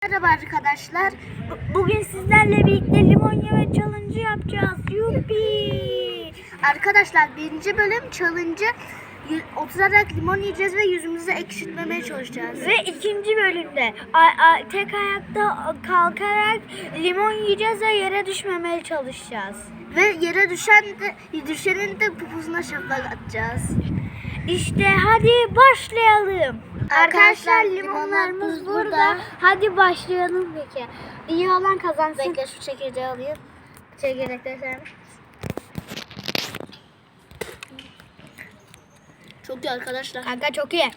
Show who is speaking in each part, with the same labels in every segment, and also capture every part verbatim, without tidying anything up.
Speaker 1: Merhaba arkadaşlar. Bu- Bugün sizlerle birlikte limon yeme challenge yapacağız. Yuppi! Arkadaşlar birinci bölüm challenge'ı y- oturarak limon yiyeceğiz ve yüzümüzü ekşitmemeye çalışacağız. Ve ikinci bölümde a- a- tek ayakta kalkarak limon yiyeceğiz ve yere düşmemeye çalışacağız. Ve yere düşen de düşenin de pupusuna şaplak atacağız. İşte hadi başlayalım. Arkadaşlar limonlarımız burada. Hadi başlayalım peki. İyi olan kazansın. Bekle şu çekirdeği alayım. Çekirdekleri sermiş. Çok iyi arkadaşlar. Kanka çok iyi.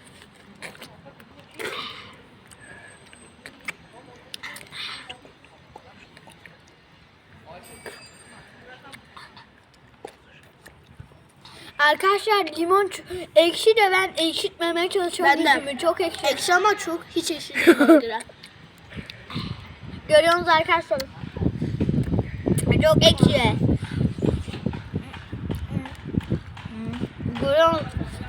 Speaker 1: Arkadaşlar limon ç- ekşi de ben ekşitmemeye çalışıyorum.
Speaker 2: Ben de.
Speaker 1: Yüzümü çok ekşi.
Speaker 2: Ekşi ama çok hiç ekşi değil bana göre.
Speaker 1: Görüyorsunuz arkadaşlar. Çok ekşi. Görüyorsunuz.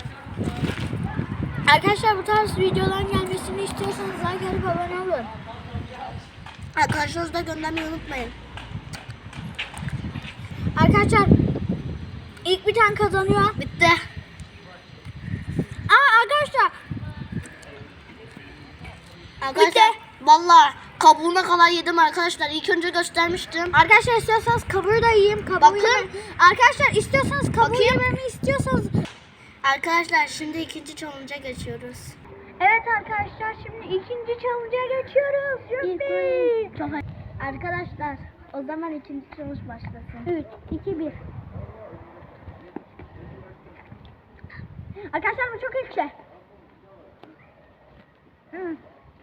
Speaker 1: Arkadaşlar bu tarz videoların gelmesini istiyorsanız like atıp abone olun.
Speaker 2: Arkadaşlarınızı da göndermeyi unutmayın.
Speaker 1: Arkadaşlar ilk bir tane kazanıyor.
Speaker 2: Bitti.
Speaker 1: Aa arkadaşlar.
Speaker 2: Arkadaşlar vallahi kabuğuna kadar yedim arkadaşlar. İlk önce göstermiştim.
Speaker 1: Arkadaşlar istiyorsanız kabuğu da yiyeyim. Kabuğu
Speaker 2: Bakın.
Speaker 1: yemem- Arkadaşlar istiyorsanız kabuğu
Speaker 2: Bakayım.
Speaker 1: yememi istiyorsanız.
Speaker 2: Arkadaşlar şimdi ikinci challenge'a geçiyoruz.
Speaker 1: Evet arkadaşlar şimdi ikinci challenge'a geçiyoruz. Yuppi.
Speaker 2: Çok
Speaker 1: Arkadaşlar o zaman ikinci challenge başlasın. üç, iki, bir. Arkadaşlar bu çok ekşi. Hı.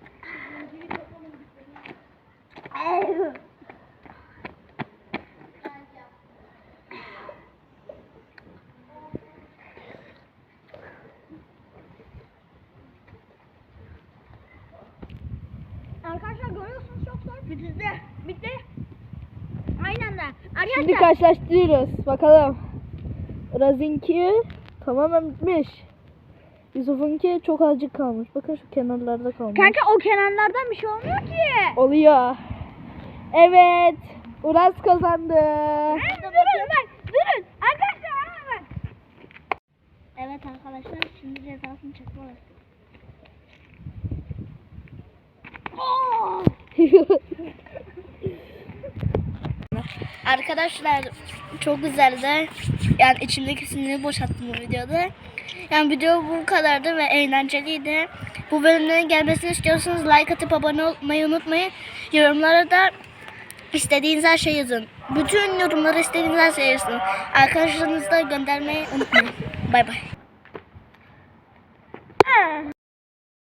Speaker 1: Arkadaşlar görüyorsunuz çok zor. Bitti. Bitti. Aynen de. Arkadaşlar.
Speaker 3: Şimdi karşılaştırıyoruz. Bakalım. Raz'inki tamamen bitmiş. Yusuf'unki çok azıcık kalmış. Bakın şu kenarlarda kalmış.
Speaker 1: Kanka o kenarlardan bir şey olmuyor ki.
Speaker 3: Oluyor. Evet. Uraz kazandı.
Speaker 1: Durun bak. Durun. Arkadaşlar hemen bak.
Speaker 2: Evet arkadaşlar şimdi cezasını çekme Arkadaşlar çok güzeldi. Yani içimdeki siniri boşalttım bu videoda. Yani video bu kadardı ve eğlenceliydi. Bu bölümlerin gelmesini istiyorsanız like atıp abone olmayı unutmayın. Yorumlara da istediğiniz her şeyi yazın. Bütün yorumlara istediğiniz her şeyi yazın. Arkadaşlarınızla göndermeyi unutmayın. Bay bay.